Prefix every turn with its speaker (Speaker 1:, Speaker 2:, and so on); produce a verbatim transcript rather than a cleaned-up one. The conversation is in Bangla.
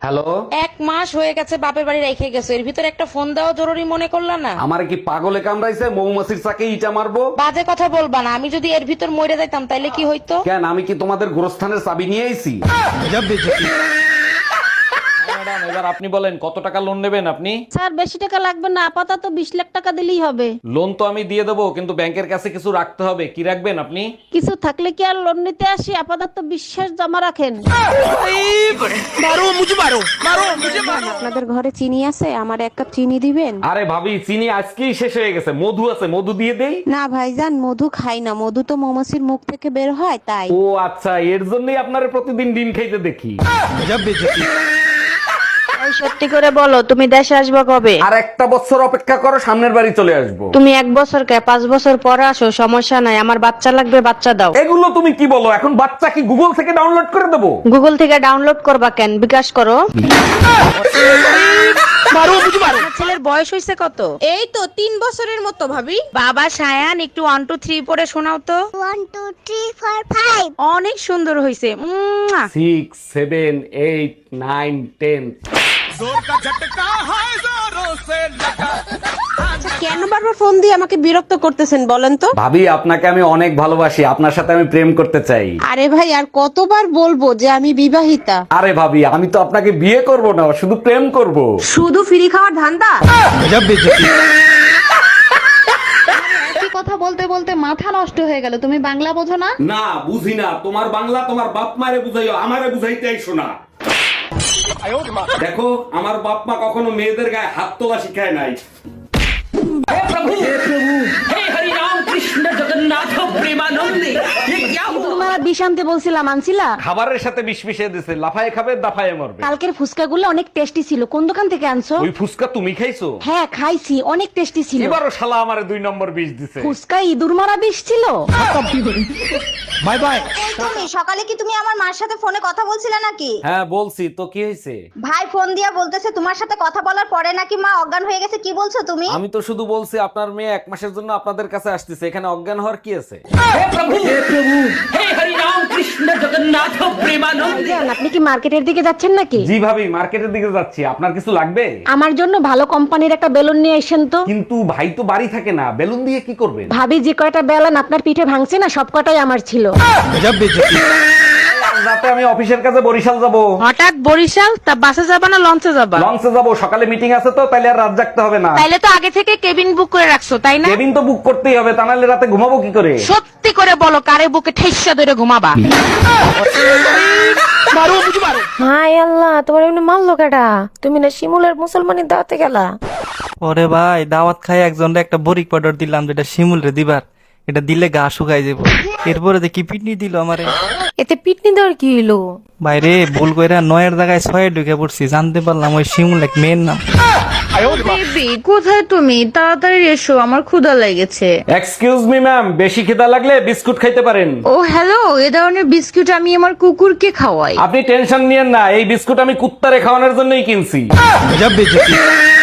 Speaker 1: হ্যালো,
Speaker 2: এক মাস হয়ে গেছে বাপের বাড়ি রেখে গেছো, এর ভিতরে একটা ফোন দেওয়া জরুরি মনে করলা না?
Speaker 1: আমারে কি পাগলে কামড়াইছে? মৌমাছির চাকে ইটা মারবো?
Speaker 2: বাজে কথা বলবা না, আমি যদি এর ভিতর মরে যাইতাম তাইলে কি হইতো?
Speaker 1: কেন, আমি কি তোমাদের গোরস্থানের চাবি নিয়ে আইছি? ম্যাডাম, এবার আপনি বলেন কত টাকা লোন নেবেন আপনি?
Speaker 3: স্যার বেশি টাকা লাগবে না, আপাতত বিশ লাখ টাকা দিলেই হবে।
Speaker 1: লোন তো আমি দিয়ে দেবো, কিন্তু ব্যাংকের কাছে কিছু রাখতে হবে। কি রাখবেন আপনি?
Speaker 3: কিছু থাকলে কি আর লোন নিতে আসি? আপাতত বিশ্বাস জমা রাখেন।
Speaker 4: আপনাদের ঘরে চিনি আছে? আমার এক কাপ চিনি দিবেন?
Speaker 1: আরে ভাবি, চিনি আজকেই শেষ হয়ে গেছে। মধু আছে, মধু দিয়ে দেই?
Speaker 4: না ভাইজান, মধু খাই না। মধু তো মৌমাছির মুখ থেকে বের হয়, তাই।
Speaker 1: ও আচ্ছা, এর জন্যই আপনারে প্রতিদিন ডিম খাইতে দেখি।
Speaker 5: সত্যি করে বলো, তুমি দেশে আসবে কবে?
Speaker 1: আর একটা বছর অপেক্ষা করো, সামনের বাড়ি চলে আসবো।
Speaker 5: তুমি এক বছর কে পাঁচ বছর পরে আসো, সমস্যা নাই। আমার বাচ্চা লাগবে, বাচ্চা দাও।
Speaker 1: এগুলো তুমি কি বলো? এখন বাচ্চা কি গুগল থেকে ডাউনলোড করে দেবো?
Speaker 5: গুগল থেকে ডাউনলোড করবা কেন? বিকাশ করো।
Speaker 2: ছেলের বয়স হয়েছে কত?
Speaker 3: এই তো তিন বছরের মতো ভাবি।
Speaker 2: বাবা সায়ান, একটু ওয়ান টু থ্রি পরে শোনাও তো।
Speaker 6: One two three four five.
Speaker 2: অনেক সুন্দর হয়েছে।
Speaker 1: Six seven eight nine ten.
Speaker 4: কেন বারবার ফোন দিয়ে আমাকে বিরক্ত করতেছেন বলেন তো?
Speaker 1: ভাবি, আপনাকে আমি অনেক ভালোবাসি। আপনার সাথে আমি প্রেম করতে চাই।
Speaker 4: আরে ভাই, আর কতবার বলবো যে আমি বিবাহিতা?
Speaker 1: আরে ভাবি, আমি তো আপনাকে বিয়ে করব না, শুধু প্রেম করব।
Speaker 4: শুধু ফ্রি খাওয়ার ধান্দা?
Speaker 7: কথা বলতে বলতে মাথা নষ্ট হয়ে গেল। তুমি বাংলা বোঝো না?
Speaker 1: না, বুঝি না। তোমার বাংলা তোমার বাপ মারে বুঝাইও, আমারে বুঝাইতে আইসো না। দেখো, আমার বাপ মা কখনো মেয়েদের গায়ে হাত তোলা শিখায় নাই।
Speaker 3: তোমার বিষ আনতে বলছিলাম, আনছিলা?
Speaker 1: খাবারের সাথে বিষ মিশিয়ে দিছে, লাফায়ে খাবে দাফায়ে মরবে।
Speaker 3: কালকের ফুচকা গুলো অনেক টেস্টি ছিল। কোন দোকান থেকে আনছো?
Speaker 1: ওই ফুসকা তুমি খাইছো?
Speaker 3: হ্যাঁ খাইছি, অনেক টেস্টি ছিল।
Speaker 1: এবারও শালা আমারে দুই নম্বর বিষ দিছে।
Speaker 3: ফুচকা ইঁদুর মারা বিষ ছিল।
Speaker 1: Bye bye.
Speaker 6: তুমি সকালে কি তুমি আমার মার সাথে ফোনে কথা বলছিলে নাকি?
Speaker 1: হ্যাঁ বলছি তো, কি হয়েছে?
Speaker 6: ভাই ফোন দিয়া বলতেছে তোমার সাথে কথা বলার পরে নাকি মা অজ্ঞান হয়ে গেছে। কি বলছো তুমি?
Speaker 1: আমি তো শুধু বলছি আপনার মেয়ে এক মাসের জন্য আপনাদের কাছে আসতেছে, এখানে অজ্ঞান হওয়ার কি আছে?
Speaker 3: ভাইজান, আপনি কি মার্কেটের দিকে যাচ্ছেন নাকি?
Speaker 1: জি ভাবি, মার্কেটের দিকে যাচ্ছি। আপনার কিছু লাগবে?
Speaker 3: আমার জন্য ভালো কোম্পানির একটা বেলুন নিয়ে আসেন তো।
Speaker 1: কিন্তু ভাই তো বাড়ি থাকে না, বেলুন দিয়ে কি করবেন?
Speaker 3: ভাবি, যে কয়টা বেলুন আপনার পিঠে ভাঙছে না, সব কটাই আমার ছিল।
Speaker 1: রাতে আমি অফিসের কাছে বরিশাল যাব।
Speaker 2: হঠাৎ বরিশাল? তা বাসে যাবা না লঞ্চে যাবা?
Speaker 1: লঞ্চে যাব, সকালে মিটিং আছে তো, তাইলে আর রাত জাগতে হবে না।
Speaker 2: তাইলে তো আগে থেকে কেবিন বুক করে রাখছো, তাই না?
Speaker 1: কেবিন তো বুক করতেই হবে, তা নাহলে রাতে ঘুমাবো কি করে?
Speaker 2: সত্যি করে বলো, কারে বুকে ঠেসা ধরে ঘুমাবা?
Speaker 8: হাই আল্লাহ, তোমার এমনি মারলো কেডা? তুমি না শিমুলের মুসলমানি দাওয়াতে গেলা?
Speaker 9: ওরে ভাই, দাওয়াত খাই একজনরে একটা বরিক পাউডার দিলাম, যেটা শিমুল রে দিবার। এটা দিলে গা শুকাই যাবো। এরপরে দেখি পিটনি দিল আমারে।
Speaker 8: এতে পিটনি দেওয়ার কি হইলো?
Speaker 9: বাইরে ভুল কইরা নয়ের জায়গায় ছয়ে ঢুকে পড়ছি, জানতে পারলাম ওই শিমুল এক মেয়ের নাম।
Speaker 5: বেবি, কোথায় তুমি? তাড়াতাড়ি এসো, আমার ক্ষুধা লেগেছে।
Speaker 1: এক্সকিউজ মি ম্যাম, বেশি খিদা লাগলে বিস্কুট খাইতে পারেন।
Speaker 5: ও হ্যালো, এ ধরনের বিস্কুট আমি আমার কুকুরকে খাওয়াই।
Speaker 1: আপনি টেনশন নিয়েন না, এই বিস্কুট আমি কুত্তারে খাওয়ানোর জন্যই কিনছি।